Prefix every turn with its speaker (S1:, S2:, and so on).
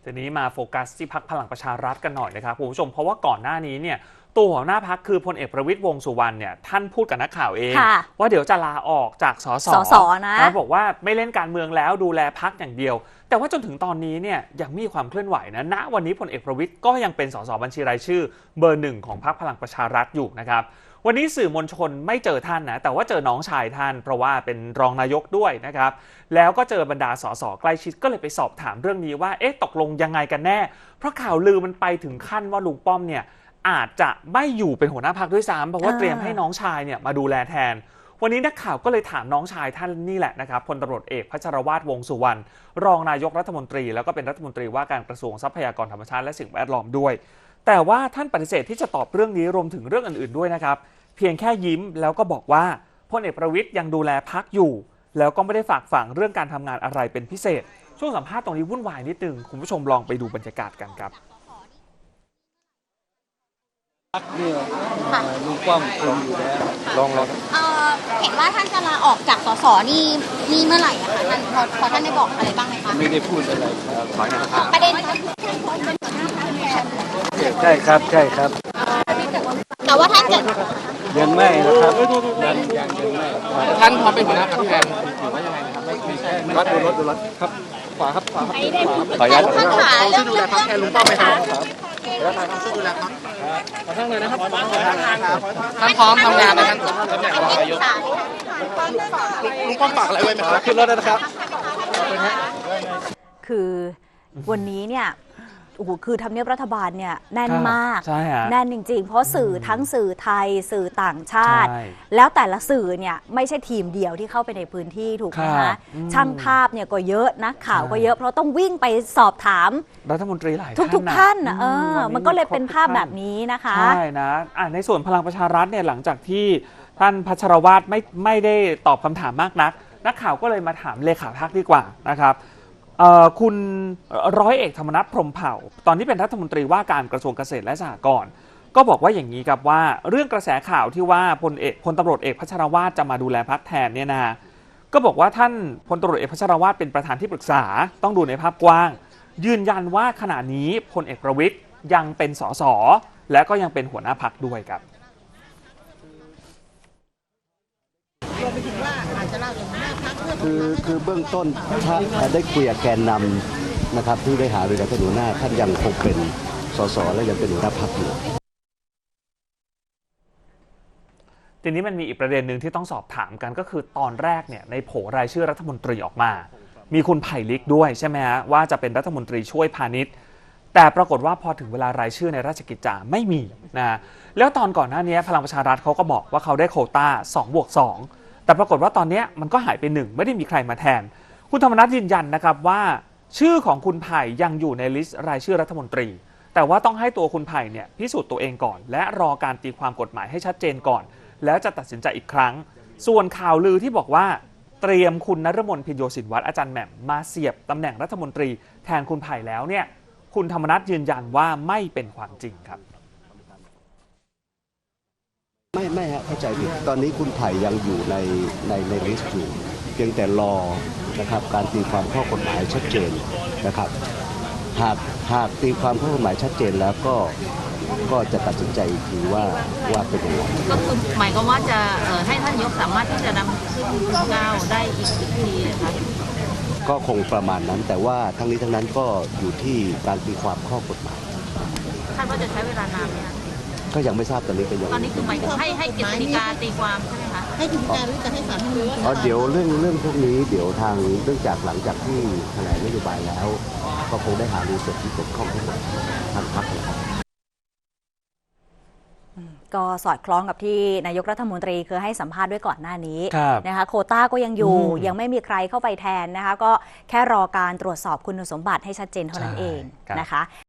S1: ทีนี้มาโฟกัสที่พรรคพลังประชารัฐกันหน่อยนะครับคุณผู้ชมเพราะว่าก่อนหน้านี้เนี่ยตัวหัวหน้าพรรคคือพลเอกประวิตรวงษ์สุวรรณเนี่ยท่านพูดกับนักข่าวเองว่าเดี๋ยวจะลาออกจากสสนะบอกว่าไม่เล่นการเมืองแล้วดูแลพรรคอย่างเดียวแต่ว่าจนถึงตอนนี้เนี่ยยังมีความเคลื่อนไหวนะณวันนี้พลเอกประวิตรก็ยังเป็นสสบัญชีรายชื่อเบอร์ 1ของพรรคพลังประชารัฐอยู่นะครับวันนี้สื่อมวลชนไม่เจอท่านนะแต่ว่าเจอน้องชายท่านเพราะว่าเป็นรองนายกด้วยนะครับแล้วก็เจอบรรดาสสใกล้ชิดก็เลยไปสอบถามเรื่องนี้ว่าตกลงยังไงกันแน่เพราะข่าวลือมันไปถึงขั้นว่าลุงป้อมเนี่ยอาจจะไม่อยู่เป็นหัวหน้าพรรคด้วยซ้ำเพราะว่าเตรียมให้น้องชายเนี่ยมาดูแลแทนวันนี้นักข่าวก็เลยถามน้องชายท่านนี่แหละนะครับพลตำรวจเอกพัชรวาทวงษ์สุวรรณรองนายกรัฐมนตรีแล้วก็เป็นรัฐมนตรีว่าการกระทรวงทรัพยากรธรรมชาติและสิ่งแวดล้อมด้วยแต่ว่าท่านปฏิเสธที่จะตอบเรื่องนี้รวมถึงเรื่องอื่นๆด้วยนะครับเพียงแค่ยิ้มแล้วก็บอกว่าพลเอกประวิตรยังดูแลพรรคอยู่แล้วก็ไม่ได้ฝากฝังเรื่องการทำงานอะไรเป็นพิเศษช่วงสัมภาษณ์ตรงนี้วุ่นวายนิดนึงคุณผู้ชมลองไปดูบรรยากาศกันครับ
S2: นี่ลุงป้อมคุมอยู่แล้วลอง
S3: เห็นว่าท่านจะลาออกจากสสนี่เมื่อไหร่อะคะท่านพอท่านได้บอกอะไรบ้างไหมคะ
S2: ไม่ได้พูดอะไรครับ
S3: ประเด็น
S2: ใช่ครับ
S3: แต่ว่าท่านจะ
S2: ยังไม่นะครับยังไม่
S4: ท่านพร้อมเป็นหัวหน้าพรรคแทนหรือว่ายังไงนะครับไม่ใช่
S2: ดูรถครับขวาครับขออ
S3: นุญาตท่านขาเรื่อง
S4: ดูแลพรรคแทนลุงป้อมไหมครับแล้วท่านช่วยดูแลพรรคขอทั้งเลยนะครับท่านพร้อมทำงานในท่านตำแหน่งรองนายกลุงป้อมฝากอะไรไว้ไหมครับ
S2: ขึ้นรถนะครับ
S5: คือวันนี้เนี่ยโอ้โหคือทำเนียบรัฐบาลเนี่ยแน่นมากแน่นจริงๆเพราะสื่อทั้งสื่อไทยสื่อต่างชาติแล้วแต่ละสื่อเนี่ยไม่ใช่ทีมเดียวที่เข้าไปในพื้นที่ถูกไหมคะช่างภาพเนี่ยก็เยอะนักข่าวก็เยอะเพราะต้องวิ่งไปสอบถาม
S1: รัฐมนตรีหลาย
S5: ทุกท่านมันก็เลยเป็นภาพแบบนี้นะคะ
S1: ใช่นะในส่วนพลังประชารัฐเนี่ยหลังจากที่ท่านพัชรวาทไม่ได้ตอบคำถามมากนักข่าวก็เลยมาถามเลขาพรรคดีกว่านะครับคุณร้อยเอกธรรมนัสพรหมเผ่าตอนนี้เป็นรัฐมนตรีว่าการกระทรวงเกษตรและสหกรณ์ก็บอกว่าอย่างนี้ครับว่าเรื่องกระแสข่าวที่ว่าพลตำรวจเอกพัชรวาทจะมาดูแลพรรคแทนเนี่ยนะก็บอกว่าท่านพลตำรวจเอกพัชรวาทเป็นประธานที่ปรึกษาต้องดูในภาพกว้างยืนยันว่าขณะนี้พลเอกประวิตรยังเป็นสสและก็ยังเป็นหัวหน้าพรรคด้วยครับ
S6: คือเบื้องต้นถ้าได้คุยกับแกนนำนะครับที่ได้หารือกับท่านหัวหน้าท่านยังคงเป็นสสและยังเป็นหัวหน้าพรรคอยู่
S1: ทีนี้มันมีอีกประเด็นหนึ่งที่ต้องสอบถามกันก็คือตอนแรกเนี่ยในโผรายชื่อรัฐมนตรีออกมามีคุณไผ่ลิกด้วยใช่ไหมฮะว่าจะเป็นรัฐมนตรีช่วยพาณิชย์แต่ปรากฏว่าพอถึงเวลารายชื่อในราชกิจจาไม่มีนะแล้วตอนก่อนหน้านี้พลังประชารัฐเขาก็บอกว่าเขาได้โควต้า2+2แต่ปรากฏว่าตอนนี้มันก็หายไป1ไม่ได้มีใครมาแทนคุณธรรมนัสยืนยันนะครับว่าชื่อของคุณไผ่ยังอยู่ในลิสต์รายชื่อรัฐมนตรีแต่ว่าต้องให้ตัวคุณไผ่เนี่ยพิสูจน์ตัวเองก่อนและรอการตีความกฎหมายให้ชัดเจนก่อนแล้วจะตัดสินใจอีกครั้งส่วนข่าวลือที่บอกว่าเตรียมคุณนฤมลพิญโยสินวัฒน์อาจารย์แหม่มมาเสียบตำแหน่งรัฐมนตรีแทนคุณไผ่แล้วเนี่ยคุณธรรมนัสยืนยันว่าไม่เป็นความจริงครับ
S6: ไม่ฮะเข้าใจผิดตอนนี้คุณไผ่ยังอยู่ในลิสต์อยู่เพียงแต่รอนะครับการตีความข้อกฎหมายชัดเจนนะครับหากตีความข้อกฎหมายชัดเจนแล้วก็จะตัดสินใจอีกทีว่าเป็นยังไง
S3: ก็คือหมายความว่าจะให้ท่านนายกสามารถที่จะนำชื่อคุณก้าวได้อีกทีนะคะ
S6: ก็คงประมาณนั้นแต่ว่าทั้งนี้ทั้งนั้นก็อยู่ที่การตีความข้อกฎหมาย
S3: คาดว่าจะใช้เวลานานไหมคะ
S6: ก็ยังไม่ทราบตอนนี้เป็นยังไง
S3: ตอนนี้คือหมายถึงให้กฤษฎีกาตีความใช่ไหมคะให้กฤษฎีกาหรือจะให้ศาลท่าน
S6: เดี๋ยวเรื่องพวกนี้เดี๋ยวทางเรื่องจากหลังจากที่แถลงนโยบายแล้วก็คงได้หารือส่วนที่เกี่ยวข้องทั้งหมดทางพรรคเลยครับ
S5: ก็สอดคล้องกับที่นายกรัฐมนตรีเคยให้สัมภาษณ์ด้วยก่อนหน้านี้นะคะโควต้าก็ยังอยู่ยังไม่มีใครเข้าไปแทนนะคะก็แค่รอการตรวจสอบคุณสมบัติให้ชัดเจนเท่านั้นเองนะคะ